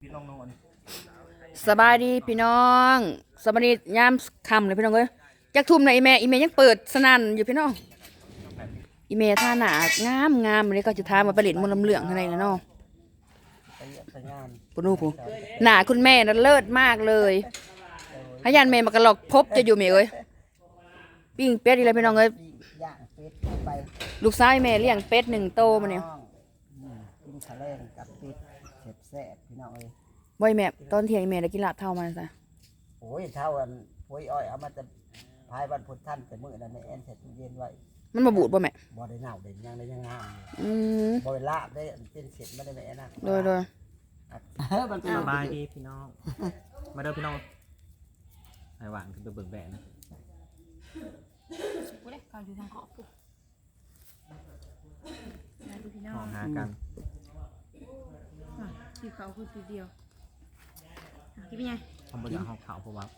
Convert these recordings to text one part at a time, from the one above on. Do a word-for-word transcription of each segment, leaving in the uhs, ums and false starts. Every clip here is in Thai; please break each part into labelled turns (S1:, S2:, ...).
S1: ลองนอน
S2: สบายดีพี่น้องสบายดียามค่ำเลยพี่น้องเอ้ยจักทุ่มนะอีแม่อีแม่ยังเปิดสนั่นอยู่พี่น้องอีแม่ท่าหนางามงามเลยก็จะทามาผลิตมลำเหลืองอะไรนะน้องปุ่นูผู้หนาคุณแม่น่ะเลิศมากเลยพยานแม่มากระหลอกพบจะอยู่เมย์เอ้ยปิ้งเป็ดอีไรพี่น้องเอ้ยลูกสาวแม่เลี้ยงเป็ดหนึ่งโตมาเนี่ย
S3: กินทะเลกับเป็ดเผ็ดแซ่บพี่น้องเอ้ย
S2: บ่อยแม่ตอนเที่ยงแม่ได้กินลาบเท่ามาซะ
S3: โอ้ยเท่ากันโอ้ยอ้อยเอามาจะพายวันพุธท่านแต่มื้อนั้นในแอนเสร็จตู้เย็นไว้
S2: มันมาบูดบ่แม่
S3: บ่ได้เน่าเด่นยังได้ยังงาม
S2: อืม
S3: บ่ได้ลาบได้เป็นเสร็จไม่ได้แม่นะ
S2: โดยโดย
S1: สบายดีพี่น้องมาเด้อพี่น้องไอ้หวานคือเบิ่งแบะนะ
S2: กูได้ข่าวอยู่ทางขอบกูมาดูพี่น้อง
S1: มองหากัน
S2: สีขาวคือสีเดียวกินเป็นไง
S1: ทำบริการห้องขาวเพราะว่า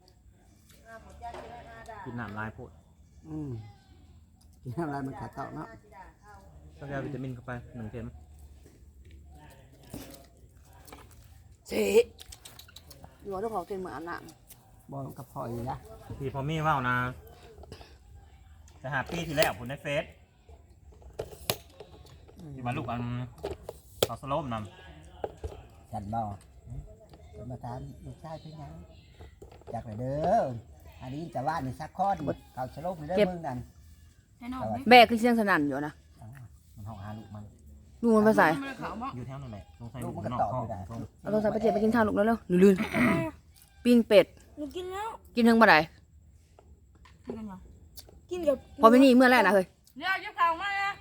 S1: กินน้ำลายโพด
S3: อืมกินน้ำลายมันขาดเต่าเนาะ
S1: ต้องการวิตามินเข้าไปหนึ่งเข็ม
S2: เจ๊อยู่ว่าต้องขอเต็มเหมือนอันน่ะ
S3: บ่กับพออยู่นะ
S1: พี่พอมี่ว่านะจะหาปีที่แล้วผมในเฟซที่มาลูกอันเอาสโลมน
S3: ำฉันบ่จะมาถามลูกชายเป็นยังจากไหนเด้ออันนี้จะว่าในซักข้อดีเขาสโลมได้เมืองนั้น
S2: แบกคือเสียงสนั่นอยู่นะ
S1: มันห้องหาลูกมัน
S2: ลูกมันภาษา
S1: อยู่แถวนั่นแหละสงสัยลูกมันนอกห้อง
S2: เอาโทรศัพท์ไปเจ็บไปกินข้าวลูกแล้วเร็วลื่นปิ้งเป็ด
S4: กินแล้ว
S2: กินทั้งบ่ได้
S4: กินกับ
S2: พอไปนี่เมื่อแรกนะเฮ้ย
S4: เดี๋ยวจะข่าวมานะ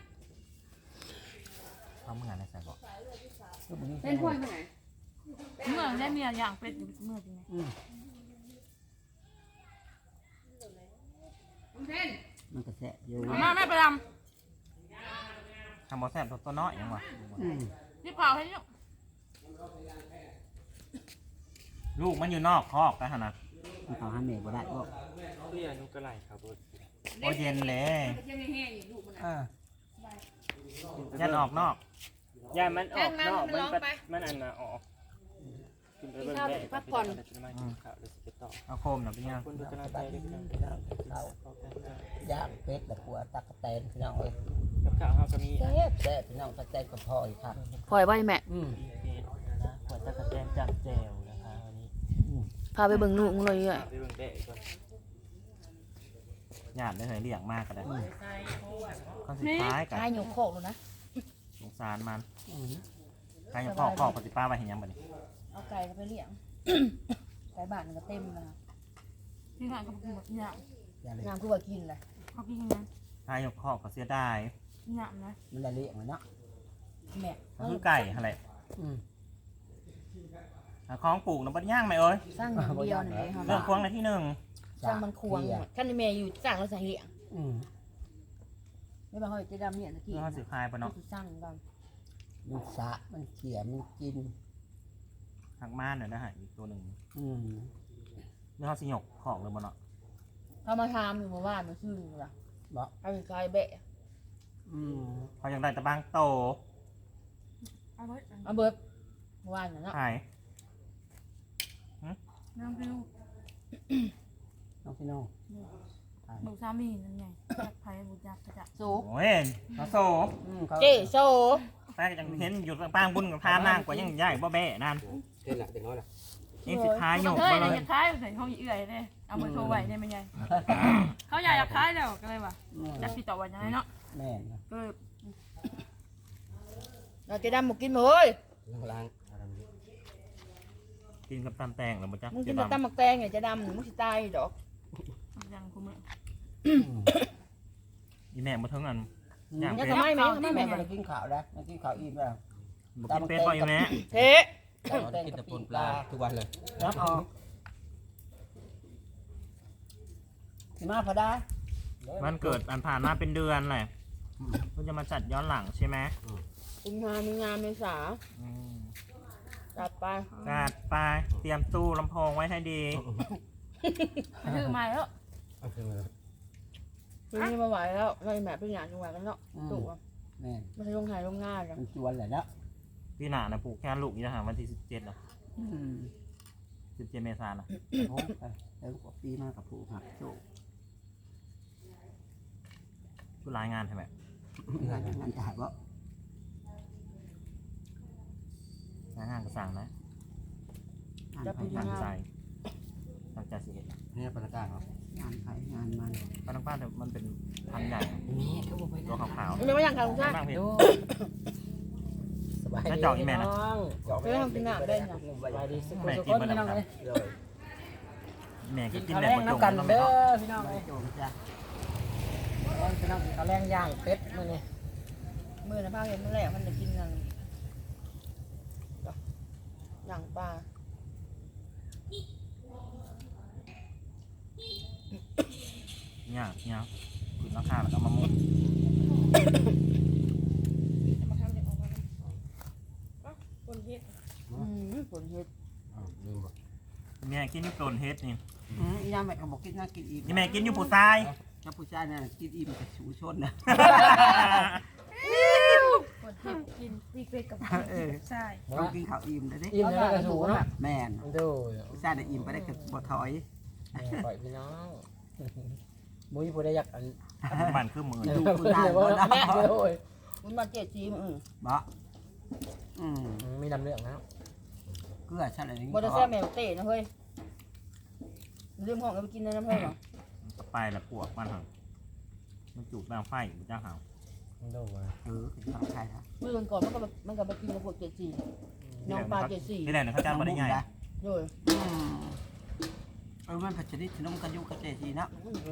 S1: ทำเมื่อไงในใส่บอก
S2: เล่นถ้วยเมื่อไหร่
S4: เมื่อได้เมียอย่างเป็ดเมื่อจริงไหม
S3: มันก็แซ่บอยู่
S4: มาแม่ไปท
S1: ทำบอแซ่บตัวน้อยยังวะ
S4: ำที่ข่าวให้ลูก
S1: ลูกมันอยู่นอกคอกแต่ขนาด
S3: มันเขาห้ามเมย์บ่ได้บ่
S1: เรียนลูกกระไรครับโอเย็นเลยยันออกนอก
S5: ย่ามันออกนอกมันมันอันน่ะออกกินไปเบิ่งได้พักผ่อน
S1: เอาโคมหน่อยพี่น้อง
S5: คุณดูกำลังใจด้วยกัน
S3: ย่างเป็ดแต่หัวตักกะแตนพี่น้องเอ้ย
S5: กับข้าวเฮาก็มี
S3: แซ่บแซ่บพี่น้องตะแตนกับพ่ออีกครับ
S2: ปล่อยไว้แม่
S3: อืม
S5: นะหัวตะกะแตนจับแจวนะคะวันนี้
S2: พาไปเบิ่งลูกมึงเลยอ่ะ
S5: ไปเบิ่งได้ก่อน
S1: หยาดได้เหยเลี้ยงมากก็ได้ข้อสุดท้ายกัน
S2: ให้หนูโคกเลยนะ
S1: สงสารมันใครจะพ่อพ่อปฏิป้าไปเห็นยังบ่นี่
S2: เอาไก่ไปเลี้ยงไก่บ้านมันก็เต็มนะ
S4: ที่งานก็กินแบบหยาบ
S2: งามคือว่ากินเลย
S4: เขากินยังไง
S1: ใครจะพ่อก็เสียได้
S4: หยาบนะ
S3: มันละเลี้ยงมันเนาะ
S2: แม่
S1: มันคือไก่อะไรคล้องปลูกน้ำบัดย่างไหมเอ้ย
S2: สร้างอย่างเดียวหนึ่ง
S1: เรื่องควงในที่หนึ่ง
S2: สร้างมันควงท่านในเมย์อยู่สร้างแล้วใส่เลี้ยงไม่บางคนจะดำเนี่ยตะกี้
S1: เราสิพายปะเนาะ
S2: สร้างกัน
S3: มันสะมันเขี่ยมันกิน
S1: หักม่านเนี่ยได้หายอีกตัวหนึ่งนี่เขาสิหยกของเลยมันเนาะ
S2: เขามาทำอยู่เมื่อวานมาซื้อหรอบอกเอาไปคลายเบะ
S1: เขาอยากได้ตะบางโต
S2: เอาเบิร์ดเอาเบิร์ดเมื่อวานเนาะ
S1: หาย
S4: น้องพี่ลูก
S3: น้องพี่น้อง
S4: บุกสามีนั่นไงไผ่บุกยักษ์กระจับ
S2: โซ่
S1: โอ้ยเขาโซ่
S2: เจ๊โซ่
S1: แต่ยังเห็นอยู่ปางบุญกับทานนางกว่ายังใหญ่บ่แบ่นั่น
S5: เท่าไหร่เด็กน้อยล่ะ
S1: นี่สุดท้ายหยก
S4: เลยอยากท้ายใส่ห้องเอื่อยเลยเอามือโทรไหวได้ไหมไงเขาอยากอยากท้ายแล้วก็เลยว่ะอยากติดต่อวันยังไงเนาะ
S3: แม่
S4: ก็
S2: เราจะดำหมกกินเลย
S5: ล้าง
S1: กินกับตำแตงหรือมันจะ
S2: มึงกินกับตำหมักแตงไงจะดำมึงสิตายดอก
S4: ยังคุ้มเลย
S1: อีแม่มาทั้งอัน
S2: ยังทำไมแม่ทำไมแม่
S3: มากินข้าวได้มากินข้าวอิ่มแล้ว
S1: ตำเป็ดปล่อยแม่
S2: เฮ้
S5: กินแต่ปนปลาทุกวันเลย
S3: รับออกสิมาพอได้
S1: มันเกิดอันผ่านมาเป็นเดือนแหละก็จะมาจัดย้อนหลังใช่ไหม
S2: กุมภามีงานเมษาจัดไป
S1: จัดไปเตรียมตู้ลำโพงไว้ให้ดี
S4: ถือมาแล้ว
S2: ทีนี้มาไหวแล้วไม่แม่เป็นอย่างจังหวะกันเนาะถูกอ่ะ
S3: แม่
S2: มันจะลงถ่ายลงง่ายกัน
S3: มันชวนเลยเนาะ
S1: เตพี่หนานะปลูกแค่ลูกนี่นะฮะวันที่สิบเจ็ดนะ
S3: อืม
S1: สิบเจ็ดเมษายนนะ
S3: โอ้ไปแล้วกว่าปีมากกับผู้หักโจก
S1: ผู้รายงานใช่ไหม
S3: งานงานจะหาว่า
S1: รายงานก็สั่งนะ
S3: งาน
S2: จะ
S3: ไป
S2: ปี
S3: งาน
S1: ตั้งใจตั้งใจสิเห็น
S5: นี่ปนกลางเหรอง
S3: านไปงานมัน
S1: ป้าต้องป้าแต่มันเป็นพันใหญ่
S5: นี่เขาบอกไป
S1: ตัวขาว
S2: ไม่ไม่ยังค่ะลุง
S1: ๆ
S2: ชา
S1: นั่งเพชร
S5: สบาย
S1: ถ้า
S5: ดี
S1: เจาะอีแม่นะ
S5: เจาะ
S2: ไม่ต้องกินน้ำได้นะ
S5: สบายดีสุข
S1: แม่
S5: สุข
S1: กิน
S5: คน
S1: มา
S5: พี่
S1: แล้
S5: น้
S1: ว
S5: อง
S1: ครับ
S5: เลย
S1: แม่กินกิน
S5: ข้าว
S1: แบ
S5: แร
S1: บ
S5: ง
S1: ประจง
S5: น้ำกัน
S1: ต้อง
S5: เด้
S1: ไม่
S5: อ
S1: ต้อง
S5: พี่น้องเลย
S3: โจกจ้ะ
S5: พี่น้องข้าวแรงย่างเป็ดมื้อนี้
S2: มือนะพ่อเห็นเมื่อไหร่มันจะกินกันอย่างปลา
S1: เนี่ยเนี่ยขึ้นราคาแล้วก็มามุง
S4: มาทำเด็กออกมาคนเฮ็ด
S2: อืมผลเห็ด
S5: ลืมบ่
S1: แม่กินอยูโกลนเฮดนี่
S3: อืมยามแม่ก็บอกกินน่ากินอิ่ม
S1: นี่แม่กินอยูปูทราย
S3: ถ้าผู้ชายเนี่ยกินอิ่มกับสูชนนะ
S4: คนเฮ็ดกินปีกเป็ดกับ
S3: เออ
S4: ใช่
S3: ต้องกินข้าวอิ่มเลยดิ
S5: อิ่มแล้วก็สูงเนาะ
S3: แม่น
S5: ดู
S3: ผู้ชายเนี่ยอิ่มไปได้กับบ่ถอย
S5: ปล่อยพี่น้องมุ้ยผู้ได้อยากอัน
S1: มันคือมือ
S3: ดูผู้ชายบ่ได้
S5: แม่เลย
S2: มันมาเจ็ดสีมือ
S3: บ่อืม
S5: มีดำเรื่องแล้ว
S3: เกลือใช่เลย
S2: บอดแซ่แมวเตะนะเฮ้ยลืมห้องเอาไปกินในน้ำเฮ้ยเหรอ
S1: ไปละปวกมันหังมันจูบน้ำไฟอยู่จ้าหาว
S5: ดูว่า
S3: เออเป็นทางใครครับ
S2: เมื่อวันก่อนมันก็มันก็ไปกินกับพวกเจ็ดสีน้องปลาเจ็ดสี
S1: ที่ไหนเนี่ยเขาจ้างมาได้ไง
S2: โดย
S3: อืมเออมันผัดชนิดขนมกันยุกระเจจีนะ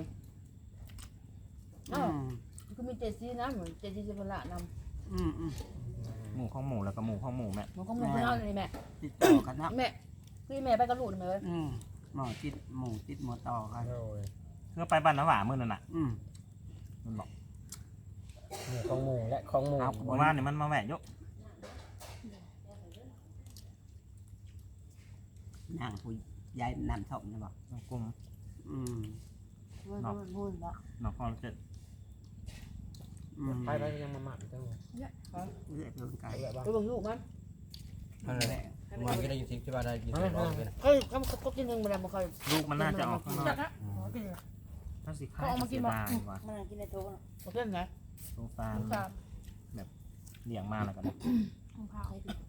S3: อืม
S2: คือมีเจ็ดสีนะเหมือนเจ็ดสีสิบละน
S3: อืมอืม
S1: หมูข้องหมูแล้วก็หมูข้องหมูแม่
S2: ำมันก็มึงเล่าเลยแม่
S3: ติดต่อกันนะ
S2: แม่คือแม่ไปกระลูกไหมเว้ย
S3: อืมหมอติดหมูติดหมูต่อกัน
S5: โอ้ย
S1: เพื่อไปบ้านน้ำหวามื่อนั่นน่ะ
S3: อืม
S1: มันบอก
S5: นี่ของหมูและของหมู
S1: เมื่อวานนี่มันมาแหวะยก
S3: นางผู้ยายนันทบนะบอก
S1: กลุ่ม
S3: อืม
S2: มันพูดละ
S1: นอกคอนเจ็ด
S3: อืม
S5: ไปไปยังมาหมักจัง
S3: เลือดเดินไกล
S5: ไปแบบว่า
S2: ไปบังลูกมั้ย
S3: นั่นแหละ
S6: มันก็ได้ยินเสียงที่ว่าได้ยินเสียงร้องเลยนะ
S2: เฮ้ยก็ก็กินหนึ่งไปแล้วมันเคย
S1: ลูกมันน่าจะออกข้างนอก
S4: จักนะอ๋อกินเลย
S1: ถ้าสิข้าวเสียดายว่ะ
S2: มันกินในโต๊ะมันเป็นไง
S1: สงสาร
S4: สาม
S1: เลี้ยงมาแล้วกัน
S4: ของเขา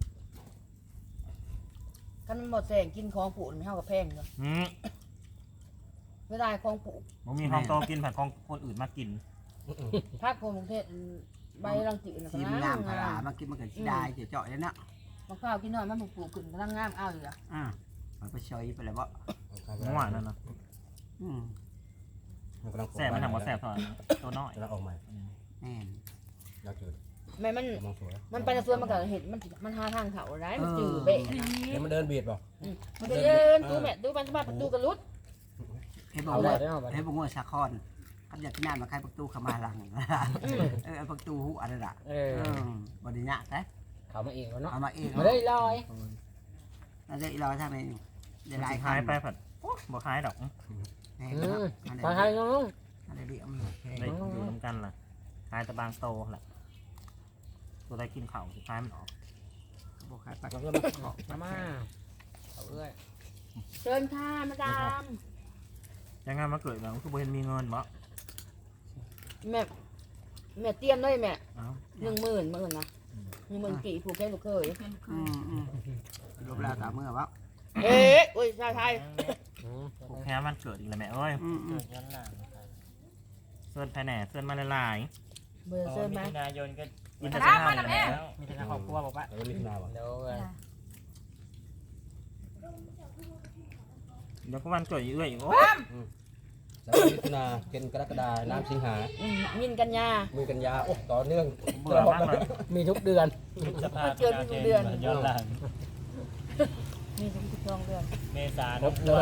S2: กันมันหมดแสงกินของผูไม่เท่ากับแพงเลย
S1: อืม
S2: ไม่ได้ของผู
S1: ผมมีของโตกินผัดของคนอื่นมากิน
S2: ภาคโกรุงเทพใบรังจืดนะ
S3: ทีมงามขลามากินมันก็ขี้ได้เจ๋อๆเลยนะ
S2: มะพร้าวกินหน่อยมันปลูกขึ้นกำลังงามอ้าวอยู่อ่ะ
S3: อ่ามันไปชอยไปเลยบ่
S1: เมื่อวานนั่นนะ
S3: อืม
S6: มันกำลัง
S1: แสบมันทำว่าแสบถอนตัวน้อย
S6: กำลังออกใหม่
S3: แม่น
S6: อยากจืด
S2: แม่มัน
S6: กำลังสวย
S2: มันไปในสวนมันก็เห็นมันมันหาทางเขาได้มันจืดเบะ
S4: สี
S6: เดี๋ยวมันเดินเบียดเปล่า
S2: มันจะเดินดูแม่ดูมันมาประตูกระลุด
S3: เฮ้ยบอก
S5: เอาไว้
S3: ว่า
S5: ได้เอาไว้
S3: เฮ้ยบอกว่าสะคอนขับอยากกินน้ำมาใครประตูเข้ามาหลังเออประตูหูอะไรล่ะ
S5: เอ
S3: เอ
S5: อ
S3: อบริญญาแต่
S5: เขามาเองแล้วเนาะ
S3: เอามาเอง
S5: มาได้ลอย
S3: เราจะเราทำเองเดี๋ยว
S1: มัน
S3: ลาย
S1: สิคล้ายไปผัดบ่คล้ายดอก
S3: แห้ง
S5: อื
S3: นะ
S5: ม
S3: อัน
S5: ไปให้
S3: นี้
S5: น้อง
S3: อันนี้เรียม
S1: ได้อยู่น้ำกันล่ะคล้ายตะบางโตแหละตัวได้กินเข่าสุดท้ายมันออก
S3: บอกใครไป
S5: เราก็มาขอมามาเอาเอ้ย
S2: เชิญค่ะมาดาม
S1: ยังไงมาเกิดแบบคือบ่เห็นมีเงินบ่
S2: แม่แม่เตรียมเลยแม่
S1: เอ้า
S2: หนึ่งหมื่นหมื่นนะหนึ่งหมื่นกี่ผูกแค่ลูกเคย
S3: อืมอืมรูปแล้วตามเมื่อวะ
S2: เอ๊ะอุ้ยชายไทย
S1: ผูกแค่มันเกิดอีกแล้วแม่เอ้ย
S3: อืมอืม
S5: ย้อนหลัง
S1: เสื้อแผ่แหน่เสื้อมาหลาย
S2: เบอร์เชิญไหม
S5: มิถุนายนก็
S1: ๆอินเตอร์เซ็นทรัลนี่แหละ
S5: มีแต่ครอบครัวบอกว่า
S6: แล้วก็มีขนาดว่ะ
S5: เดี๋ยวเอ้ย
S1: เดี๋ยวก็วันเกิดอีกเอ้ยอีกโอ้
S6: แล้วก็มิถุนาเป็นกรกฎาน้ำสิงหา
S2: อืมมินกันยา
S6: มือกันยาโอ้ต่อเนื่อง
S1: เบื่อมากเลย
S5: มีทุกเดือน
S2: มาเจอทุกเดือน
S5: ย้อนหลัง
S2: มีทุกทุกช่องเดือน
S5: เมษา
S6: ครบเลย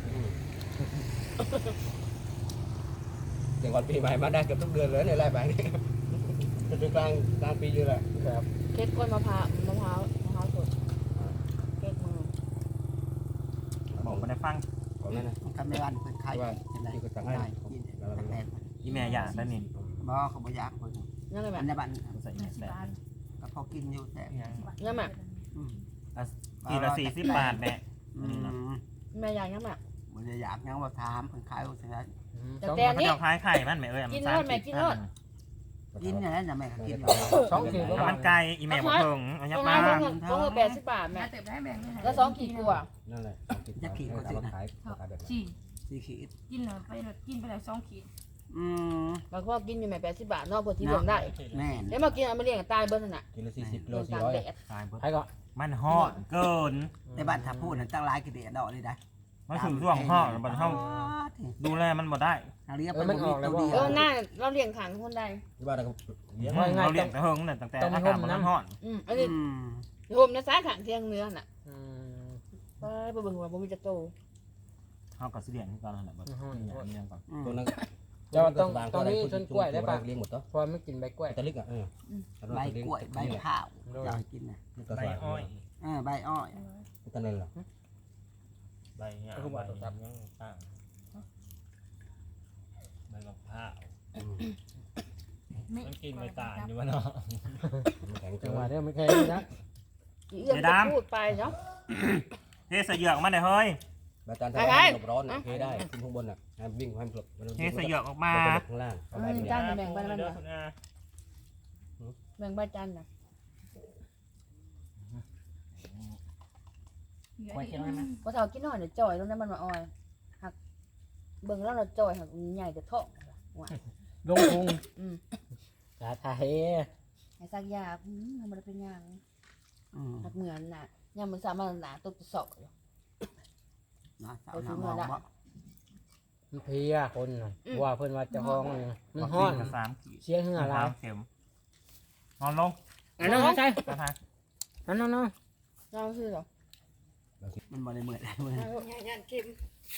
S6: อย่างก่อนปีใหม่มาได้เกือบทุกเดือนเลยในไร่ไปนี่จนถึงกลางกลางปีเลยแหละ
S5: ครับ
S2: เค้กกล้วยมะพร้าวมะพร้าวมะพร้าวสดเค้กมือ
S1: บอกมาได้ฟัง
S6: ก่อนนั้นนะ
S3: มันก็ไม่วันเพิ่นไข่เป็นไรกินแต่
S1: อีแม่อยากได้นี่
S3: บ่เขาบ่อยากเพิ่น
S2: ยังไงแม่
S3: อันในบ้าน
S1: ใส่แม่แซ่บ
S3: ก็พอกินอยู่แต่
S2: ยังแม่
S3: เอืม
S1: ขีดละสี่สิบบาทแม่
S3: อืม
S2: แม่อยากยังแม่
S3: มันจะอยากยังว่าถามเพิ่นขายว่าซั่น
S2: แต่แต่อัน
S1: เขา
S2: นี้
S1: จะคล้ายไข่มันแม่เอ้ย
S2: กิน
S1: สา
S2: โล
S1: ม
S2: ดแม่
S1: ขีด
S2: กินโลด
S3: กินอย่างนั้นน่ะแม่ก็กินอยู่
S6: สองขีดก็
S1: ถ้า
S6: บา
S1: มั
S6: ท
S1: นไก่อีแม่บ่เพิ่งเอายั
S2: ต
S1: บ
S2: รง
S1: มา
S2: นั้นต้องต้องแปดสิบบาทแม่
S4: แม่เติบได้แบ่งด้วย
S2: แล้วสองขีดกว่า
S6: นั่นแหละจะขีดก็ขายขายแบบ
S4: สี่
S3: สี่ขีด
S4: กินเลยไปเลยกินไปเลยสองขีด
S3: อืม
S2: บางคนกินอยู่แม่แปดสิบบาทเนอกพอที่เบิ่งได้
S3: แม่น
S2: เดี๋ยวมากินเอามาเลี้ยงตายเบิ้ลน่ะ
S6: กิโลสี่สิบกิโล
S2: เลี้ยง
S6: สี่
S2: ตาก
S6: ร้อย
S2: แดด
S1: ตายเบิด
S6: ใครก็
S1: มันฮอดเกิน
S3: ในบ้านถ้าพูดนั่นตั้งหลายกิเดียดอกเลยได้
S1: มันถึงช่วงฮอดบัดเฮาดูแลมันบ่ได้
S3: เอาเรียกไปมันออกแล้วบ่
S2: เออหน้าเราเลี้ยงขังคนใด
S6: ที่บ้านเราเลี้ยง
S1: เราเลี้ยงแต่เฮิงนั่นตั้งแต่อากาศบ่ร้อน
S2: อืมอันนี้
S3: อืม
S2: โฮมในสายขังเที่ยงเนื้อน่ะไปไปเบิ่งว่าบ่มีจะโต
S1: เฮาก็สิเลี้ยงคือกันนั่นแหละบัดนี้อันนี้ก่อน
S6: ตัวนั้น
S7: เจ้าต้องต้องมีต้นกล้วยได้ปะ
S6: เลี้ยงหมดตัว
S7: พอไม่กินใบกล้วย
S6: ตะลิกอ่ะเออ
S3: ใบกล้วยใบข้าวอยากกินนะ
S1: ใบอ้อย
S3: เออใบอ้อย
S6: ตะเนนหรอ
S1: ใบหญ้าใบยังต่างใบมะพร้าวมันกินไม่ตายอยู่วะเนาะ
S6: แข็ง
S7: จั
S6: จั
S7: ง
S6: ง
S7: ห
S6: ห
S7: วะ
S6: วะ
S7: เนี้ยไม่เคยนะ
S2: อีเอื้อมก็พูดไปเนาะ
S1: เทใส่เหยือกมาได้เฮ้ย
S6: ใบจานทำให้ร้อนโอเคได้ขึ้นข้างบนอ่ะให้วิ่งให้มันหลบ
S1: เทใส่เหยือกออกมา
S6: ข้างล่าง
S2: อืมจานแบ่งไปมันน่ะแบ่งใบจานน่ะ
S4: ไว้กินไหม
S2: พอเฒ่ากินน้อยเดี๋ยวจ่อยตรงนั้นมันมาออยหักเบิ่งแล้วเราจ่อยหักใหญ่แต่ท้องว่า
S7: ลงพุง
S2: อืม
S7: สาไทย
S2: ให้ซักยาอืมมันบ่ได้เป็นหยัง
S3: อืม
S2: หักเหมือนน่ะยามมื้อเช้ามันหนาตกจะเสาะอยู่
S3: นะสาวน้ำมองบ่
S7: มันเพลียคนน่ะว่าเพิ่นว่าเจะห้าของมันมันห้อน
S1: สามขีด
S7: เสียเหงื่อหลาย
S1: เข็มนอนลง
S7: อันนั้นใช่
S1: กระทาย
S7: อันนั้นเนาะ
S2: เราคือเหรอ
S3: มันบ่ได้เหมือนได้เหมือน
S4: งานเค็ม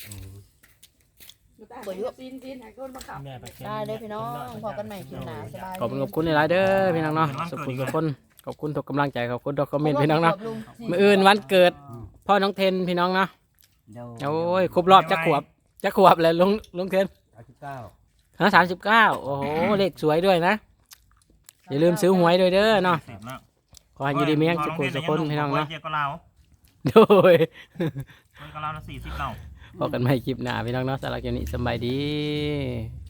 S2: เปิดอยู่
S4: ซีนซีนหายคนมาขับ
S1: แม่ไปเข็ม
S2: ได้เลยพี่น้องพอกันใหม่คลิปหน้าสบาย
S7: ขอบคุณขอบคุณหลายๆเด้อพี่น้องเนาะสุขทุกคนขอบคุณทุกกำลังใจขอบคุณทุกคอมเมนต์พี่น้องเนาะมื้ออื่นวันเกิดพ่อน้องเทนพี่น้องเนาะ
S3: เดี๋ยว
S7: โอ้ยครบรอบจักขวบจักขวบเลยลุงลุงเทน
S6: สามสิบเก้า
S7: ฮะสามสิบเก้าโอ้โหเลขสวยด้วยนะอย่าลืมซื้อหวยด้วยเด้อเนาะ
S1: สิบแล้ว
S7: ขอให้อยู่ดีมีแรงสุขสุขคนพี่น้องเนาะ
S1: เจียก็เรา
S7: โดย
S1: เจียก็เราละสี่สิบเรา
S7: พบกันใหม่คลิปหน้าพี่น้องเนาะสำหรับคลิปนี้สำบายดี